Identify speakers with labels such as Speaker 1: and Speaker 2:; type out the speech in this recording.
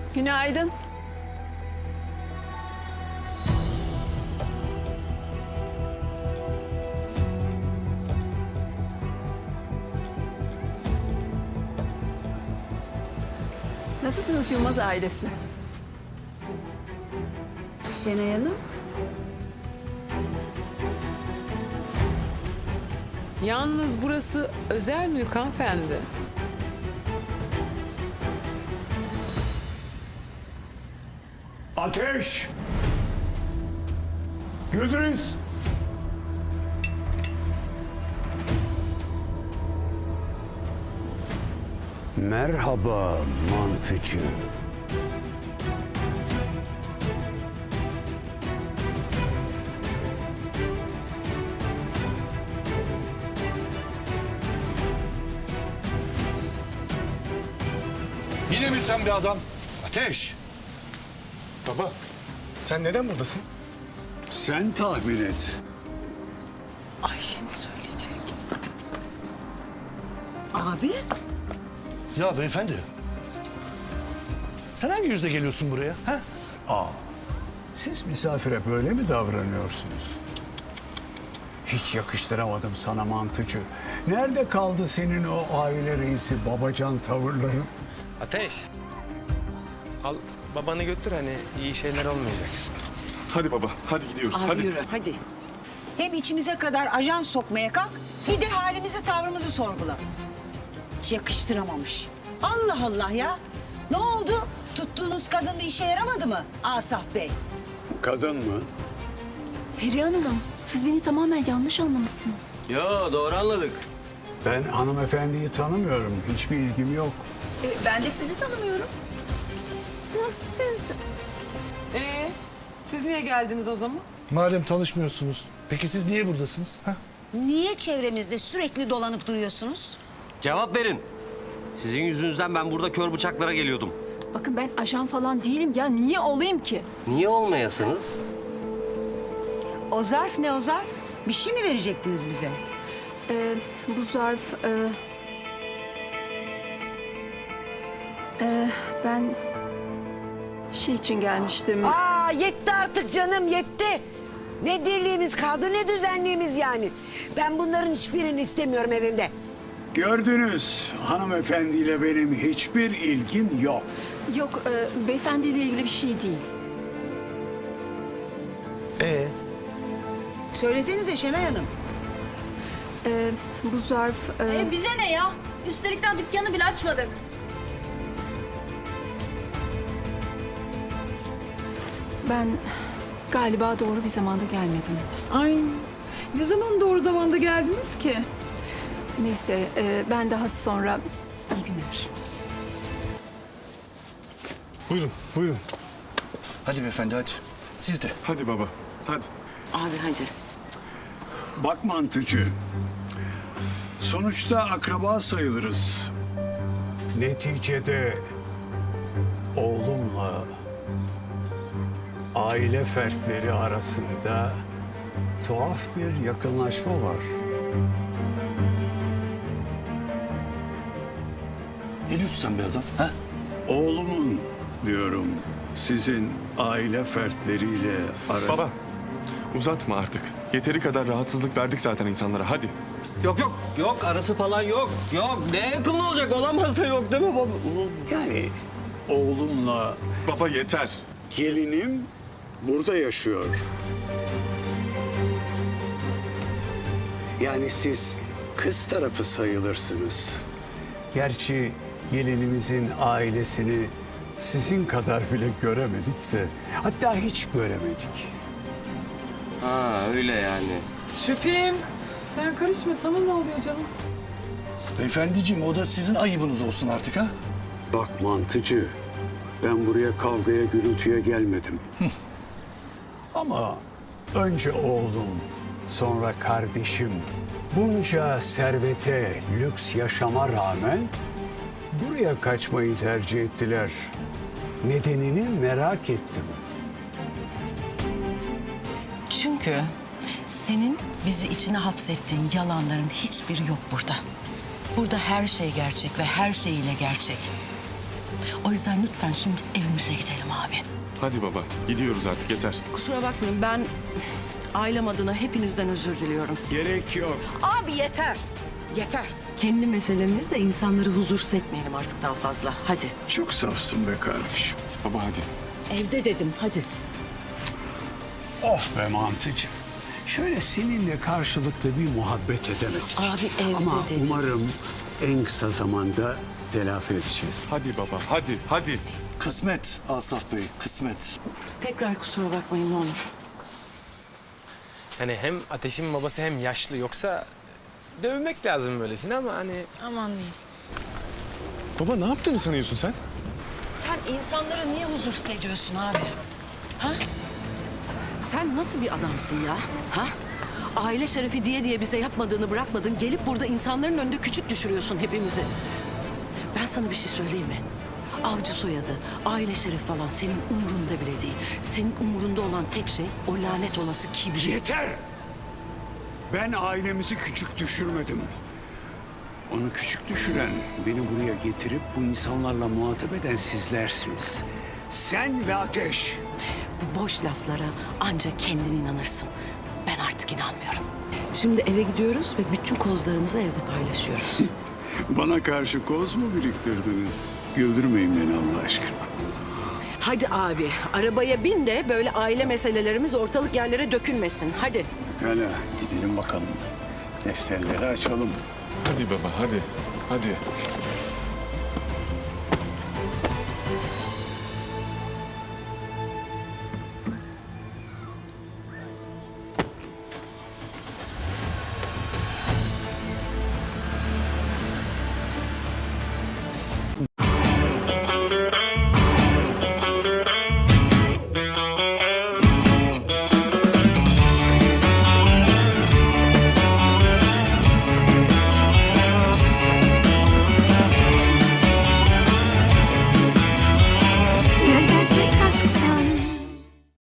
Speaker 1: Günaydın. Nasılsınız Yılmaz ailesi?
Speaker 2: Şenay Hanım.
Speaker 3: Yalnız burası özel mülk hanımefendi.
Speaker 4: Ateş! Güdüz! Merhaba mantıcı.
Speaker 5: Yine mi sen bir adam? Ateş!
Speaker 6: Baba, sen neden buradasın?
Speaker 4: Sen tahmin et.
Speaker 3: Ayşe'nin söyleyecek.
Speaker 2: Abi.
Speaker 5: Ya beyefendi. Sen hangi yüzle geliyorsun buraya? Ha?
Speaker 4: Siz misafire böyle mi davranıyorsunuz? Hiç yakıştıramadım sana mantıcı. Nerede kaldı senin o aile reisi babacan tavırların?
Speaker 6: Ateş. Al babanı götür, hani iyi şeyler olmayacak. Hadi baba, hadi gidiyoruz. hadi.
Speaker 3: Yürü hadi.
Speaker 2: Hem içimize kadar ajan sokmaya kalk, bir de halimizi tavrımızı sorgula. Hiç yakıştıramamış. Allah Allah ya. Ne oldu? Tuttuğunuz kadın bir işe yaramadı mı Asaf Bey?
Speaker 4: Kadın mı?
Speaker 7: Perihan Hanım, siz beni tamamen yanlış anlamışsınız.
Speaker 8: Yo, doğru anladık.
Speaker 4: Ben hanımefendiyi tanımıyorum. Hiçbir ilgim yok.
Speaker 7: Ben de sizi tanımıyorum. Ya siz...
Speaker 3: Siz niye geldiniz o zaman?
Speaker 5: Madem tanışmıyorsunuz, peki siz niye buradasınız? Ha?
Speaker 2: Niye çevremizde sürekli dolanıp duruyorsunuz?
Speaker 8: Cevap verin. Sizin yüzünüzden ben burada kör bıçaklara geliyordum.
Speaker 7: Bakın ben ajan falan değilim ya. Niye olayım ki?
Speaker 8: Niye olmayasınız?
Speaker 2: O zarf ne o zarf? Bir şey mi verecektiniz bize?
Speaker 7: Bu zarf... ben... şey için gelmiştim.
Speaker 9: Aa yetti artık canım yetti. Ne dirliğimiz kaldı ne düzenliğimiz yani. Ben bunların hiçbirini istemiyorum evimde.
Speaker 4: Gördünüz hanımefendiyle benim hiçbir ilgim yok.
Speaker 7: Yok, beyefendiyle ilgili bir şey değil.
Speaker 2: Söylesenize Şenay Hanım.
Speaker 7: Bu zarf...
Speaker 10: Bize ne ya? Üstelikten dükkanı bile açmadık.
Speaker 7: ben galiba doğru bir zamanda gelmedim.
Speaker 3: Ay ne zaman doğru zamanda geldiniz ki?
Speaker 7: Neyse, ben daha sonra... iyi günler.
Speaker 6: Buyurun, buyurun.
Speaker 5: Hadi beyefendi hadi. Siz de.
Speaker 6: Hadi baba, hadi.
Speaker 2: Abi hadi.
Speaker 4: Bak mantıcı. Sonuçta akraba sayılırız. Neticede oğlumla aile fertleri arasında tuhaf bir yakınlaşma var.
Speaker 5: Ne diyorsun sen bir adam? Ha?
Speaker 4: Oğlumun diyorum sizin aile fertleriyle arası...
Speaker 6: Baba, uzatma artık. Yeteri kadar rahatsızlık verdik zaten insanlara, hadi.
Speaker 8: Yok yok, yok arası falan yok. Yok, ne yakın olacak, olamaz da yok değil mi baba?
Speaker 4: Yani oğlumla
Speaker 6: Baba yeter.
Speaker 4: gelinim burada yaşıyor. Yani siz kız tarafı sayılırsınız. Gerçi gelinimizin ailesini sizin kadar bile göremedik de, hatta hiç göremedik.
Speaker 8: Ha öyle yani.
Speaker 3: Şüphim. Sen karışma, sana ne oluyor canım?
Speaker 5: Beyefendiciğim o da sizin ayıbınız olsun artık ha?
Speaker 4: Bak mantıcı, ben buraya kavgaya gürültüye gelmedim. Ama önce oğlum, sonra kardeşim bunca servete, lüks yaşama rağmen buraya kaçmayı tercih ettiler. Nedenini merak ettim.
Speaker 11: Çünkü senin bizi içine hapsettiğin yalanların hiçbiri yok burada. Burada her şey gerçek ve her şeyiyle gerçek. O yüzden lütfen şimdi evimize gidelim abi.
Speaker 6: Hadi baba gidiyoruz artık yeter.
Speaker 11: Kusura bakmayın ben ailem adına hepinizden özür diliyorum.
Speaker 4: Gerek yok.
Speaker 11: Abi yeter. Yeter. Kendi meselemizle insanları huzursuz etmeyelim artık daha fazla. Hadi.
Speaker 4: Çok safsın be kardeşim.
Speaker 6: Baba hadi.
Speaker 11: Evde dedim hadi.
Speaker 4: Of be mantıcı. Şöyle seninle karşılıklı bir muhabbet edemedik.
Speaker 11: Abi evde
Speaker 4: Ama
Speaker 11: dedim.
Speaker 4: umarım en kısa zamanda telafi edeceğiz.
Speaker 6: Hadi baba hadi.
Speaker 5: Kısmet Asaf Bey, kısmet.
Speaker 11: Tekrar kusura bakmayın ne olur.
Speaker 6: Hani hem Ateş'in babası hem yaşlı yoksa dövmek lazım böylesine ama hani...
Speaker 10: Aman diyeyim.
Speaker 6: Baba ne yaptığını sanıyorsun sen?
Speaker 11: Sen insanları niye huzursuz ediyorsun abi? Ha? Sen nasıl bir adamsın ya? Ha? Aile şerefi diye bize yapmadığını bırakmadın. Gelip burada insanların önünde küçük düşürüyorsun hepimizi. Ben sana bir şey söyleyeyim mi? Avcı soyadı, aile şeref falan senin umurunda bile değil. Senin umurunda olan tek şey o lanet olası kibir.
Speaker 4: Yeter! Ben ailemizi küçük düşürmedim. Onu küçük düşüren, beni buraya getirip bu insanlarla muhatap eden sizlersiniz. Sen ve Ateş.
Speaker 11: Bu boş laflara ancak kendin inanırsın. Ben artık inanmıyorum. Şimdi eve gidiyoruz ve bütün kozlarımızı evde paylaşıyoruz.
Speaker 4: Bana karşı koz mu biriktirdiniz? Güldürmeyin beni Allah aşkına.
Speaker 11: Hadi abi, arabaya bin de böyle aile meselelerimiz ortalık yerlere dökülmesin. Hadi.
Speaker 4: Pekala, gidelim bakalım. Defterleri açalım.
Speaker 6: Hadi baba hadi.